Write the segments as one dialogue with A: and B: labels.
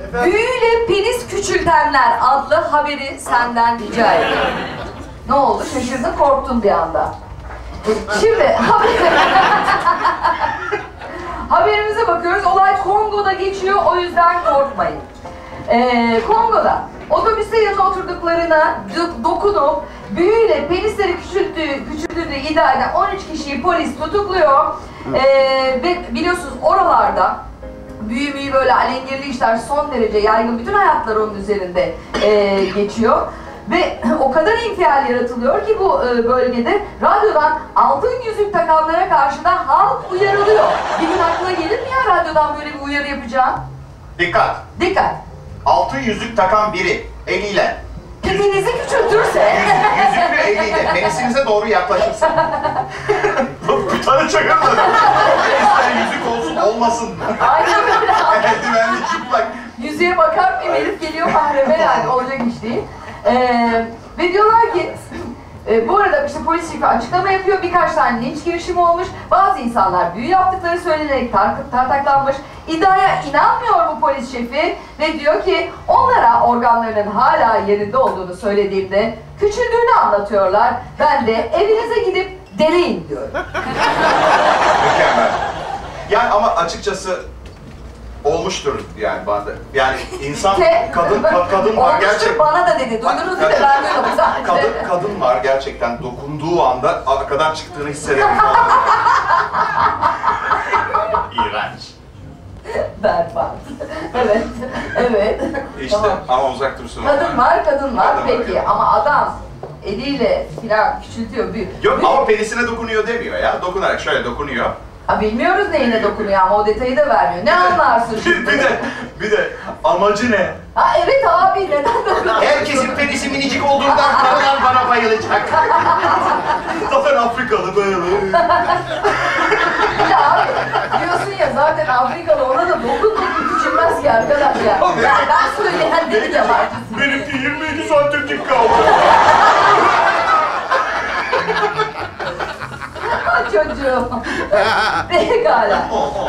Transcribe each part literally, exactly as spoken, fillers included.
A: Büyüyle penis küçültenler adlı haberi senden rica ediyorum. Ne oldu? Şaşırdın, korktun bir anda. Şimdi haber... haberimize bakıyoruz. Olay Kongo'da geçiyor, o yüzden korkmayın. Ee, Kongo'da otobüste yanına oturduklarına dokunup büyüyle penisleri küçülttüğü, küçüldüğünü iddia eden on üç kişiyi polis tutukluyor. Ee, ve biliyorsunuz oralarda büyü büyü böyle alengirli işler son derece yaygın. Bütün hayatlar onun üzerinde e, geçiyor. Ve o kadar infial yaratılıyor ki bu e, bölgede radyodan altın yüzük takanlara karşı da halk uyarılıyor. Bir gün aklına gelir mi ya radyodan böyle bir uyarı yapacağım?
B: Dikkat!
A: Dikkat!
B: Altın yüzük takan biri eliyle
A: Pipinizi küçültürse...
B: Yüzük, yüzüklü eliyle penisinize doğru yaklaşırsa bir tane çakırlar. İster yüzük olsun olmasın.
A: Aynen öyle.
B: Eldivenli çıplak.
A: Yüzüğe bakar bir herif geliyor mahreme yani olacak iş değil. Ee, ve diyorlar ki e, bu arada işte polis şefi açıklama yapıyor, birkaç tane linç girişimi olmuş, bazı insanlar büyü yaptıkları söylenerek tar tartaklanmış. İddiaya inanmıyor bu polis şefi ve diyor ki onlara organlarının hala yerinde olduğunu söylediğimde küçüldüğünü anlatıyorlar. Ben de evinize gidip deneyin diyorum.
B: Mükemmel. Yani ama açıkçası olmuştur yani bana. Yani insan, kadın, kadın var gerçekten.
A: Bana da dedi, duydunuz değil mi? Ben duydum sadece.
B: Kadın, kadın var gerçekten dokunduğu anda arkadan çıktığını hissederim. İğrenç.
A: Berbat. Evet, evet.
B: İşte
A: Tamam.
B: ama uzak dursun.
A: Kadın var, kadın var
B: Kadın var,
A: peki
B: kadın.
A: ama adam eliyle filan küçültüyor, büyük.
B: Yok
A: büyük.
B: ama penisine dokunuyor demiyor ya. Dokunarak şöyle dokunuyor.
A: Ha, bilmiyoruz neyine dokunuyor ama o detayı da vermiyor. Ne anlarsın
B: Bir,
A: şimdi?
B: bir de, bir de amacı ne?
A: Ha evet abi, neden dokunuyor?
B: Herkesin penisi minicik olduğundan kadınlar bana bayılacak. Zaten Afrikalı böyle.
A: Bir de abi diyorsun ya zaten Afrikalı, ona da dokun dokun küçülmez ki arkadaş ya. Ya ben söyleyen dedim ya var.
B: Benimki yirmi iki santimlik kaldı.
A: Çocuğum. Pekala.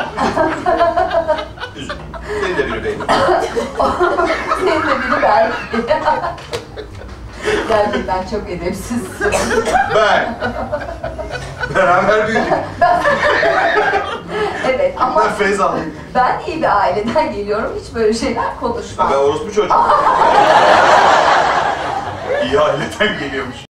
B: Üzülme. Senin de biri benim.
A: Senin de biri ben. Gerçekten çok edepsiz.
B: Ben. Beraber büyüdük.
A: Evet ama
B: Ben feyz aldım.
A: ben iyi bir aileden geliyorum. Hiç böyle şeyler konuşmam.
B: Ben orospu çocuğum. İyi aileden geliyormuş.